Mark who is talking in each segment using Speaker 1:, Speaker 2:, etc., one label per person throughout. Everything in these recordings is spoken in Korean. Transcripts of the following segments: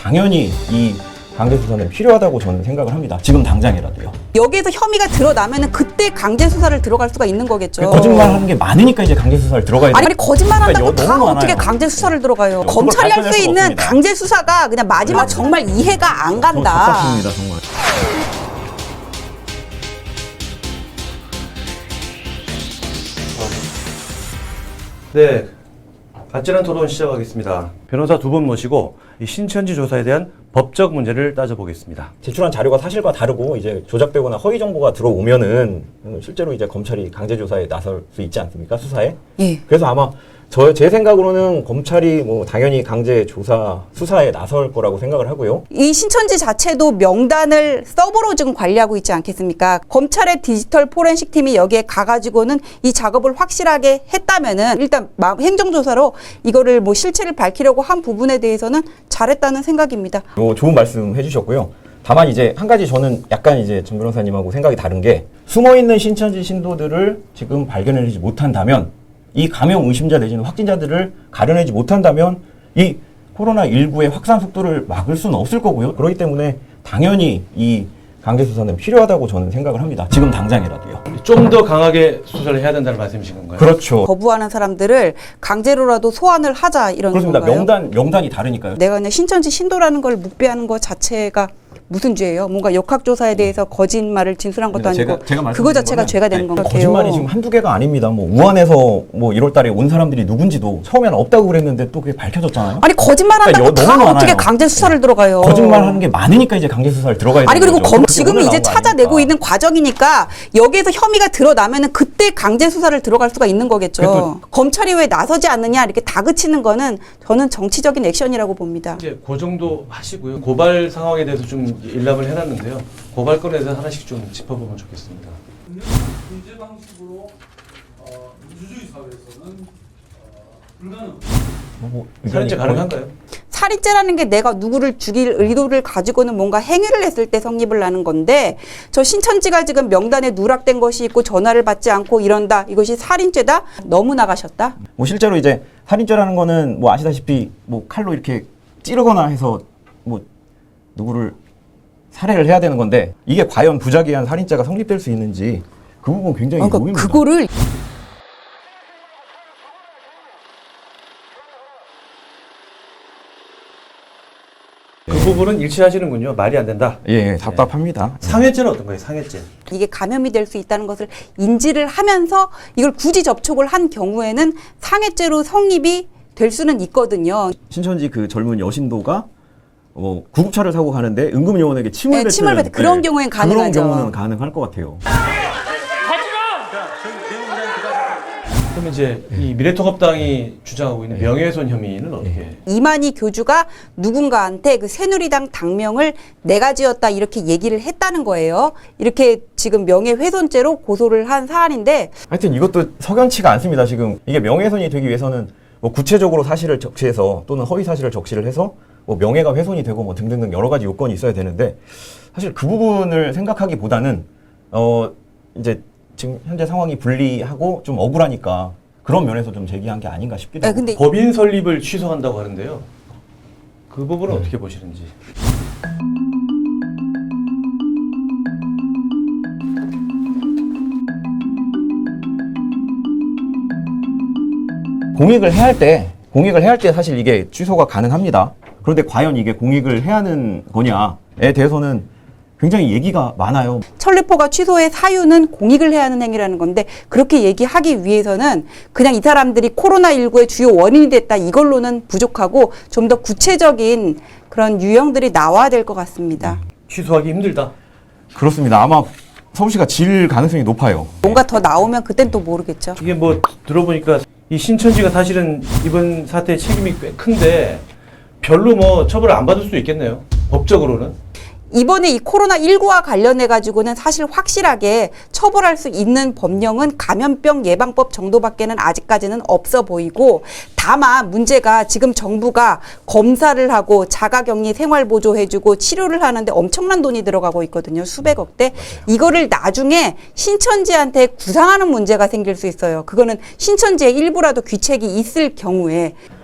Speaker 1: 당연히 이 강제 수사는 필요하다고 저는 생각을 합니다. 지금 당장이라도요.
Speaker 2: 여기에서 혐의가 드러나면은 그때 강제 수사를 들어갈 수가 있는 거겠죠.
Speaker 1: 거짓말하는 게 많으니까 이제 강제 수사를 들어가야 돼요.
Speaker 2: 아니 거짓말한다고
Speaker 1: 그러니까
Speaker 2: 다
Speaker 1: 너무
Speaker 2: 어떻게
Speaker 1: 많아요.
Speaker 2: 강제 수사를 들어가요?
Speaker 1: 그걸
Speaker 2: 검찰이 할 수
Speaker 1: 밝혀낼 수가
Speaker 2: 있는
Speaker 1: 없습니다.
Speaker 2: 강제 수사가 그냥 마지막 정말 이해가 안 간다.
Speaker 1: 답답합니다 정말.
Speaker 3: 네, 아찔한 토론 시작하겠습니다. 변호사 두 분 모시고 이 신천지 조사에 대한 법적 문제를 따져보겠습니다.
Speaker 1: 제출한 자료가 사실과 다르고 이제 조작되거나 허위 정보가 들어오면은 실제로 이제 검찰이 강제 조사에 나설 수 있지 않습니까? 수사에.
Speaker 2: 예.
Speaker 1: 그래서 아마 제 생각으로는 검찰이 뭐 당연히 강제 조사 수사에 나설 거라고 생각을 하고요.
Speaker 2: 이 신천지 자체도 명단을 서버로 지금 관리하고 있지 않겠습니까? 검찰의 디지털 포렌식 팀이 여기에 가가지고는 이 작업을 확실하게 했다면은 일단 행정조사로 이거를 뭐 실체를 밝히려고 한 부분에 대해서는 잘했다는 생각입니다.
Speaker 1: 좋은 말씀 해주셨고요. 다만 이제 한 가지 저는 약간 이제 전 변호사님하고 생각이 다른 게 숨어있는 신천지 신도들을 지금 발견해내지 못한다면 이 감염 의심자 내지는 확진자들을 가려내지 못한다면 이 코로나19의 확산 속도를 막을 수는 없을 거고요. 그렇기 때문에 당연히 이 강제 수사는 필요하다고 저는 생각을 합니다. 지금 당장이라도요.
Speaker 3: 좀 더 강하게 수사를 해야 된다는 말씀이신 건가요?
Speaker 1: 그렇죠.
Speaker 2: 거부하는 사람들을 강제로라도 소환을 하자 이런
Speaker 1: 그렇습니다.
Speaker 2: 건가요?
Speaker 1: 명단이 다르니까요.
Speaker 2: 내가 그냥 신천지 신도라는 걸 묵비하는 것 자체가 무슨 죄예요? 뭔가 역학조사에 대해서 거짓말을 진술한 것도 아니고
Speaker 1: 제가
Speaker 2: 그거 자체가 죄가 되는 건가요?
Speaker 1: 거짓말이 지금 한두 개가 아닙니다. 뭐 우한에서 뭐 1월 달에 온 사람들이 누군지도 처음에는 없다고 그랬는데 또 그게 밝혀졌잖아요.
Speaker 2: 아니 거짓말한다고
Speaker 1: 그러니까
Speaker 2: 다
Speaker 1: 너무
Speaker 2: 어떻게
Speaker 1: 많아요.
Speaker 2: 강제 수사를 들어가요?
Speaker 1: 거짓말하는 게 많으니까 이제 강제 수사를 들어가야
Speaker 2: 아니
Speaker 1: 되는
Speaker 2: 그리고
Speaker 1: 거죠. 그렇게
Speaker 2: 지금은
Speaker 1: 오늘
Speaker 2: 이제
Speaker 1: 나온 거
Speaker 2: 찾아내고
Speaker 1: 아닙니까?
Speaker 2: 있는 과정이니까 여기에서 혐의가 드러나면은 그때 강제 수사를 들어갈 수가 있는 거겠죠. 검찰이 왜 나서지 않느냐 이렇게 다그치는 거는 저는 정치적인 액션이라고 봅니다.
Speaker 3: 이제 그 정도 하시고요. 고발 상황에 대해서 좀 일람을 해놨는데요. 고발건에서 하나씩 좀 짚어보면 좋겠습니다.
Speaker 4: 문제 방식으로 민주주의 사회에서는 불가능.
Speaker 3: 살인죄 가능한가요?
Speaker 2: 살인죄라는 게 내가 누구를 죽일 의도를 가지고는 뭔가 행위를 했을 때 성립을 하는 건데 저 신천지가 지금 명단에 누락된 것이 있고 전화를 받지 않고 이런다. 이것이 살인죄다? 너무 나가셨다?
Speaker 1: 뭐 실제로 이제 살인죄라는 거는 뭐 아시다시피 뭐 칼로 이렇게 찌르거나 해서 뭐 누구를 살해를 해야 되는 건데 이게 과연 부작위한 살인죄가 성립될 수 있는지 그 부분 굉장히
Speaker 2: 그러니까
Speaker 1: 의문입니다.
Speaker 2: 그거를
Speaker 3: 그 부분은 일치하시는군요. 말이 안 된다.
Speaker 1: 예, 답답합니다.
Speaker 3: 상해죄는 어떤가요? 상해죄.
Speaker 2: 이게 감염이 될 수 있다는 것을 인지를 하면서 이걸 굳이 접촉을 한 경우에는 상해죄로 성립이 될 수는 있거든요.
Speaker 1: 신천지 그 젊은 여신도가 구급차를 타고 가는데 응급요원에게 침을
Speaker 2: 네,
Speaker 1: 뱉는
Speaker 2: 침을 뱉는 그런 경우엔 가능하죠.
Speaker 1: 그런 경우는 가능할 것 같아요.
Speaker 3: 그럼 이제 이 미래통합당이 주장하고 있는 명예훼손 혐의는 어떻게?
Speaker 2: 이만희 교주가 누군가한테 그 새누리당 당명을 내가 지었다 이렇게 얘기를 했다는 거예요. 이렇게 지금 명예훼손죄로 고소를 한 사안인데
Speaker 1: 하여튼 이것도 석연치가 않습니다. 지금 이게 명예훼손이 되기 위해서는 뭐 구체적으로 사실을 적시해서 또는 허위 사실을 적시를 해서 뭐 명예가 훼손이 되고 뭐 등등등 여러 가지 요건이 있어야 되는데 사실 그 부분을 생각하기보다는 이제 지금 현재 상황이 불리하고 좀 억울하니까 그런 면에서 좀 제기한 게 아닌가 싶기도 하고.
Speaker 2: 근데
Speaker 3: 법인 설립을 취소한다고 하는데요. 그 부분은 어떻게 보시는지.
Speaker 1: 공익을 해야 할 때 사실 이게 취소가 가능합니다. 그런데 과연 이게 공익을 해야 하는 거냐에 대해서는 굉장히 얘기가 많아요.
Speaker 2: 천리포가 취소의 사유는 공익을 해야 하는 행위라는 건데 그렇게 얘기하기 위해서는 그냥 이 사람들이 코로나19의 주요 원인이 됐다 이걸로는 부족하고 좀 더 구체적인 그런 유형들이 나와야 될 것 같습니다.
Speaker 3: 취소하기 힘들다.
Speaker 1: 그렇습니다. 아마 서울시가 질 가능성이 높아요.
Speaker 2: 뭔가 더 나오면 그땐 또 모르겠죠.
Speaker 3: 이게 뭐 들어보니까 이 신천지가 사실은 이번 사태의 책임이 꽤 큰데 별로 뭐 처벌을 안 받을 수도 있겠네요. 법적으로는.
Speaker 2: 이번에 이 코로나19와 관련해 가지고는 사실 확실하게 처벌할 수 있는 법령은 감염병 예방법 정도밖에는 아직까지는 없어 보이고 다만 문제가 지금 정부가 검사를 하고 자가격리 생활보조해주고 치료를 하는데 엄청난 돈이 들어가고 있거든요. 수백억대. 이거를 나중에 신천지한테 구상하는 문제가 생길 수 있어요. 그거는 신천지의 일부라도 귀책이 있을 경우에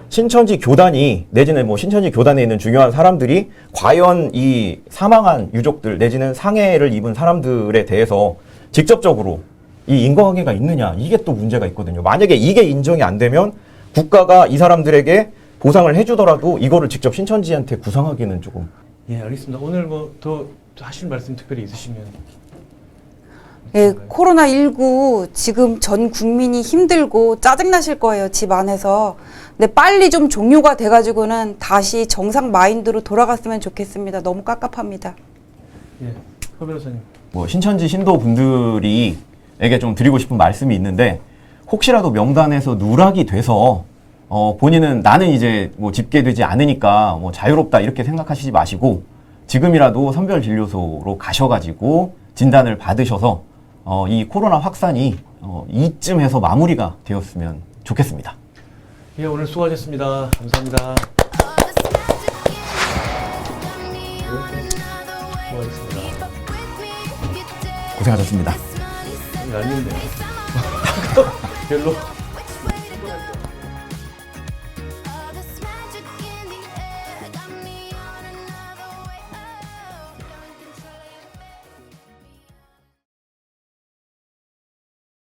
Speaker 1: 신천지 교단이 내지는 뭐 신천지 교단에 있는 중요한 사람들이 과연 이 사망한 유족들 내지는 상해를 입은 사람들에 대해서 직접적으로 이 인과관계가 있느냐 이게 또 문제가 있거든요. 만약에 이게 인정이 안 되면 국가가 이 사람들에게 보상을 해주더라도 이거를 직접 신천지한테 구상하기는 조금.
Speaker 3: 예, 알겠습니다. 오늘 뭐 더 하실 말씀 특별히 있으시면.
Speaker 2: 예, 코로나19 지금 전 국민이 힘들고 짜증나실 거예요, 집 안에서. 근데 빨리 좀 종료가 돼가지고는 다시 정상 마인드로 돌아갔으면 좋겠습니다. 너무 깝깝합니다.
Speaker 3: 예, 허 변호사님.
Speaker 1: 뭐 신천지 신도분들이 에게 좀 드리고 싶은 말씀이 있는데 혹시라도 명단에서 누락이 돼서 본인은 나는 이제 뭐 집계되지 않으니까 뭐 자유롭다 이렇게 생각하시지 마시고 지금이라도 선별진료소로 가셔가지고 진단을 받으셔서 이 코로나 확산이 이쯤에서 마무리가 되었으면 좋겠습니다.
Speaker 3: 예, 오늘 수고하셨습니다. 감사합니다. 수고하셨습니다.
Speaker 1: 고생하셨습니다.
Speaker 3: 아닌데요. 별로.